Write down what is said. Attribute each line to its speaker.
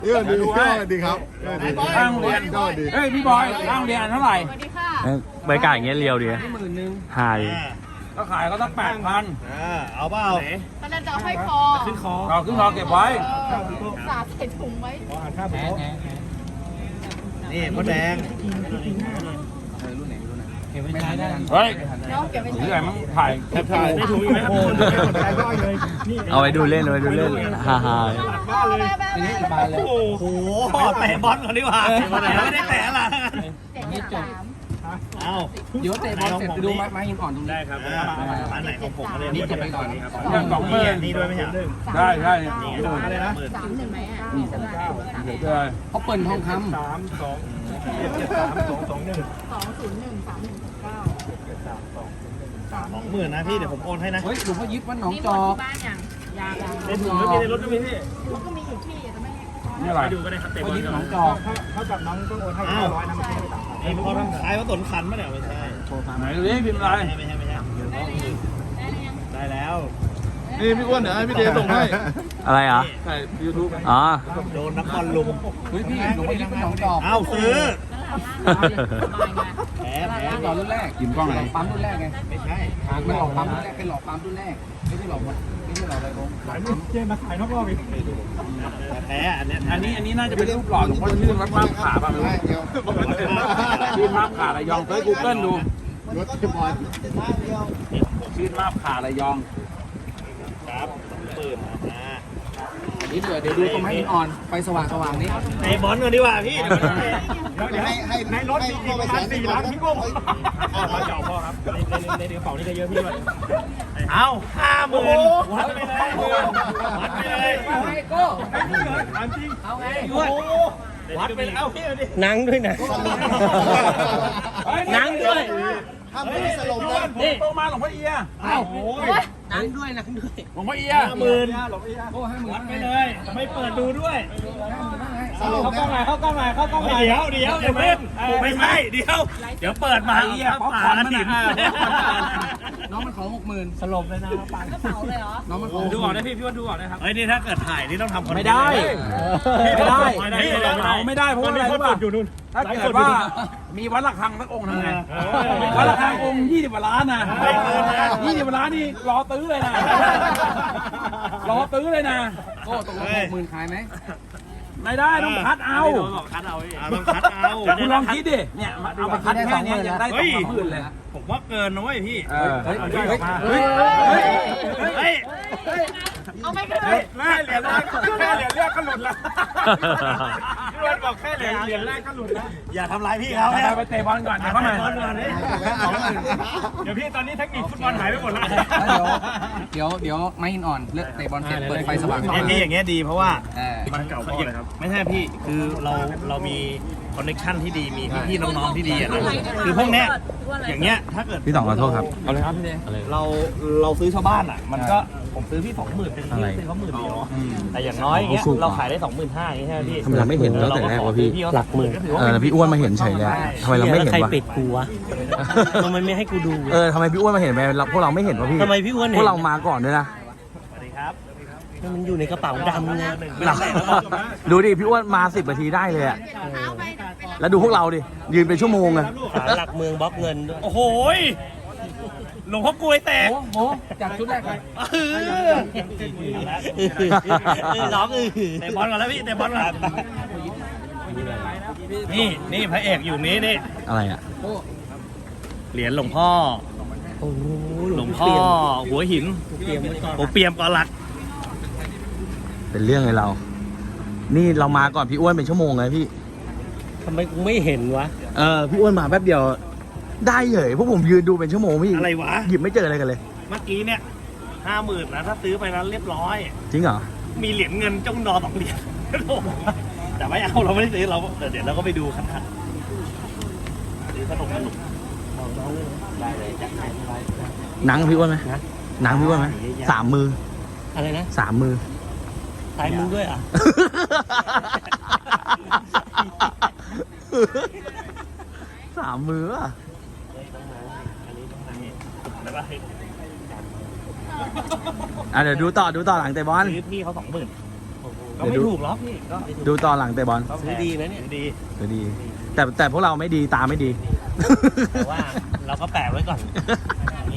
Speaker 1: ดีครับ
Speaker 2: ร่างเรียนเฮ้ยพี่บอยร่างเรียนเท่าไหร่
Speaker 3: สวัสดีค่ะ
Speaker 4: บรรยากาศอย่างเงี้ยเรียวดีหาย
Speaker 2: ก็ขายก็ต้อง8,000
Speaker 1: เอาเปล่า
Speaker 3: ตอนนั้นจะเอาให้คอ
Speaker 2: ขึ้นคอเก็บไว้
Speaker 3: สาดใส่ถุงไว้
Speaker 1: นี่มดแดง
Speaker 2: เฮ้ย
Speaker 3: เนาะเก็บไว้
Speaker 2: นี่ไงมั้งถ่ายได้ถูกไหมครับ
Speaker 4: เอาไว้ดูเล่นฮา
Speaker 1: โอ้โหเตะบอลก่อนดีกว่าไม่ได้เตะละ
Speaker 3: เด็ก3
Speaker 1: เอาเดี๋ยวเตะบอลเสร็จไปดูไม้หินอ่อนตรงนี้ได้ครับร้านไหนของผมเลยนี่เก็บไปก่อนนี่ครับนี่ด้วยไหมฮะ
Speaker 2: ได้
Speaker 1: นี่อะไรนะ
Speaker 3: 31ไหมอ่ะ
Speaker 2: เขาเปิดทองคำ
Speaker 3: 201 3169
Speaker 1: 20,000นะพี่เดี๋ยวผมโอนให้นะ
Speaker 2: เฮ้ยหลวงพ่อยิบวัดหนองจอก
Speaker 3: บ้านอย่างยาง
Speaker 1: ในถุงก็มีในรถก็มีพี่
Speaker 3: มันก็มีอยู่ที่จะไม่ให้
Speaker 2: นี่อะไร
Speaker 1: ดูก็ได้ครับเตะบอล
Speaker 2: ยิบหนองจอก
Speaker 1: เท่ากับน้องต้องโอนให้500นะไอ้พอทำขายว่าสนขันมั้ยเนี่ยไม่ใช่
Speaker 2: ไหนดูดิพิมพ์อะไร
Speaker 1: ไม่ใช่ได้แล้ว
Speaker 5: นี่พี่อ้วนเดี๋ยวให้พี่เดส่งให้
Speaker 4: อะไรอ่ะ
Speaker 5: ใช่ยูทูบ
Speaker 4: อ๋อ
Speaker 1: โดนนักบอลลุม
Speaker 2: เฮ้ยพี่หลวงพ่อยิบวัดหนองจอก
Speaker 1: เอ้าซื้อ
Speaker 3: สบายไง
Speaker 1: แผล
Speaker 2: หลอดรุ่นแรกกินกล้องอะไรปั๊มรุ่นแรกไง
Speaker 1: ไม่ใช่
Speaker 2: มันหลอกปั๊มรุ่นแรกเป็นหลอกปั๊มรุ่นแรกไม่ใช่หลอกอะไรผม
Speaker 1: ขายไม่เจ๊มาขายนอกรอบอีกแผลอันนี้
Speaker 2: อันนี้น่าจะเป็นรูปหล่อหลวงพ่อชื่อวัดมาบขาป่ะไม่รู้ชื่อมาบขาระยองเซิร์ชกูเกิลดูชื่อมาบขาระยอง
Speaker 1: ครับปืน
Speaker 2: นี่เดี๋ยวดูตรงให้อ่อนไฟสว่างนี่
Speaker 1: ในบอลกันดีกว่าพี่เดี๋ยวให้ในรถมีอีกประมาณ4 ล้านพี่กุ้งพ่อเจ้าพ่อครับในกระเป๋านี่ก็เยอะพี่ด้วยเอา50,000วัดไปเลยวัดไปเลยเอาไงก็จริงเอาไงวัดไปเอาพี่ดิ
Speaker 4: นั่งด้วยนะ นั่งด้วย
Speaker 1: ห้ามไม่สลบนะ
Speaker 2: นี่โตมาหลวงพ่อเอียเอ้า
Speaker 4: นั่งด้วยหลวงพ่อเอีย
Speaker 1: 50,000วัดไปเลยไม่เปิดดูด้วยเข้ากล้องไหนเข้ากล้องไหนเดี๋ยวไม่ใช่เดี๋ยวเปิดมาเอียป๊อปคอร์นมัน
Speaker 2: น้องมันขอ60,000
Speaker 1: สลบเลยนะปัง
Speaker 3: กระเป๋าเลยเหรอ
Speaker 2: น้องมันขอ
Speaker 1: ดูก่อนนะพี่ว่าดูก่อนนะครับเฮ้ยนี่ถ้าเกิดถ่ายนี่ต้องทำคอนเทนต์
Speaker 2: ไม่ได้ไม่ได้เพราะอะไรรู้ป่ะถ้าเกิดว่ามีวัดระฆังสักองค์ทำไงวัดระฆังองค์20 กว่าล้านนะ20 กว่าล้านนี่รอตื้อเลยนะรอตื้อเลยนะโอ้ตกลง60,000ขายไหมไม่ได้ต้องคัดเอา
Speaker 1: ต้องคัดเอา
Speaker 2: คุณลองคิดดิเนี่ยเอามาคัดแค่นี้ยังได้2,000เลย
Speaker 1: ผมว่าเกินนะเว้ยพี่
Speaker 2: เฮ้ย
Speaker 3: เอาไม่ได้
Speaker 1: แค่เหรียญแรกก็หลุดแล้วพี่วันบอกแค่เหรียญแรกก็หลุดแล้วอย่าทำร้ายพี่เขา
Speaker 2: ไปเตะบอลก่อนเดี๋ยวเข้ามา
Speaker 1: เดี๋ยวพี่ตอนนี้เทคนิคฟุตบอลหายไปหมดแล้ว
Speaker 2: เดี๋ยวไม่หินอ่อนเลือกเตะบอลเสร็จเปิดไฟสว่าง
Speaker 1: พี่อย่างเงี้ยดีเพราะว่ามันเก่าพ่อเลยครับไม่ใช่พี่คือเรามีคอนเนคชั่นที่ดีมีพี่น้องๆที่ดีอ่ะนะคือพวกเนี้ยอย่างเงี้ยถ้าเกิด
Speaker 4: พี่ต่องขอโทษครับ
Speaker 2: เอาเลยครับพี่เด
Speaker 1: เราซื้อชาวบ้านอ่ะมันก็ผมซื้อพี่20,000เป็นพี่ซื้อเขา10,000เดียวแต่อย่างน้อยอย่างเงี้ยเราขายได้25,000อย่างเงี้ยใช่ไหมพี่
Speaker 4: ทำไมเราไม่เห็นตั้งแต่แรกวะพี่
Speaker 1: หลักหมื่น
Speaker 4: พี่อ้วนมาเห็นเฉยเลยทำไมเราไม่เห็นวะ
Speaker 6: ใครปิดกูวะ ทำไมไม่ให้กูดู
Speaker 4: ทำไมพี่อ้วนมาเห็นไหมพวกเราไม่เห็นวะพี่
Speaker 6: ทำไมพี่อ้วนเห็น
Speaker 4: พวกเรามาก่อนด้วยนะ
Speaker 1: สวัสดีครับ
Speaker 6: มันอยู่ในกระเป๋าดำไง
Speaker 4: ดูดิพี่อ้วนมา10 นาทีได้เลยอะ
Speaker 3: เท้าไป
Speaker 4: แล้วดูพวกเราดิยืนเป็นชั่วโมงอะ
Speaker 6: ขาหลักเมืองบล็อกเงินด้วย
Speaker 1: โอ้โหหลวงพ่อกลวยแตก
Speaker 2: โมจากชุดแรกเลย
Speaker 6: ร้อง
Speaker 1: เตะบอลก่อนแล้วพี่เตะบอลก่อนนี่พระเอกอยู่นี้นี่
Speaker 4: อะไรอะ
Speaker 1: เหรียญหลวงพ่อ
Speaker 6: โอ้โห
Speaker 1: หลวงพ่อหัวหินผมเปียมก่อนหลัก
Speaker 4: เป็นเรื่องเลยเรา นี่เรามาก่อนพี่อ้วนเป็นชั่วโมงเลยพี่
Speaker 6: ทำไมกูไม่เห็นวะ
Speaker 4: พี่อ้วนมาแป๊บเดียวได้เลยพวกผมยืนดูเป็นชั่วโมงพี่
Speaker 1: อะไรวะ
Speaker 4: หยิบไม่เจออะไรกันเลย
Speaker 1: เมื่อกี้เนี่ย50,000นะถ้าซื้อไปนั้นเรียบร้อย
Speaker 4: จริงเหรอ
Speaker 1: มีเหรียญเงินจ้องนอ2 เหรียญแต่ไม่เอาเราไม่ได้ซื้อเราเดี๋ยวเราก็ไปดูคันซื้อขนมได้เลยจัดให้
Speaker 4: หนังพี่อ้วนไหมหนังพี่อ้วนไหม3 มือ
Speaker 6: อะไรนะ
Speaker 4: 3 มือ
Speaker 6: ตายมึงด้วยอ่ะ
Speaker 4: 3 มืออ่ะ เดี๋ยวดูต่อหลังเตะบอล
Speaker 1: ซื้อพี่เขา20,000
Speaker 6: ก็ไม่ถูกหรอกพี่ก็ไม่ถูก
Speaker 4: ดูตอนหลังเตะบอล
Speaker 6: ซื้อดีนะเนี่ย
Speaker 1: ดี
Speaker 4: ดูดี แต่พวกเราไม่ดีตาไม่ดี
Speaker 6: แต่ว่าเราก็แปะไว้ก่อน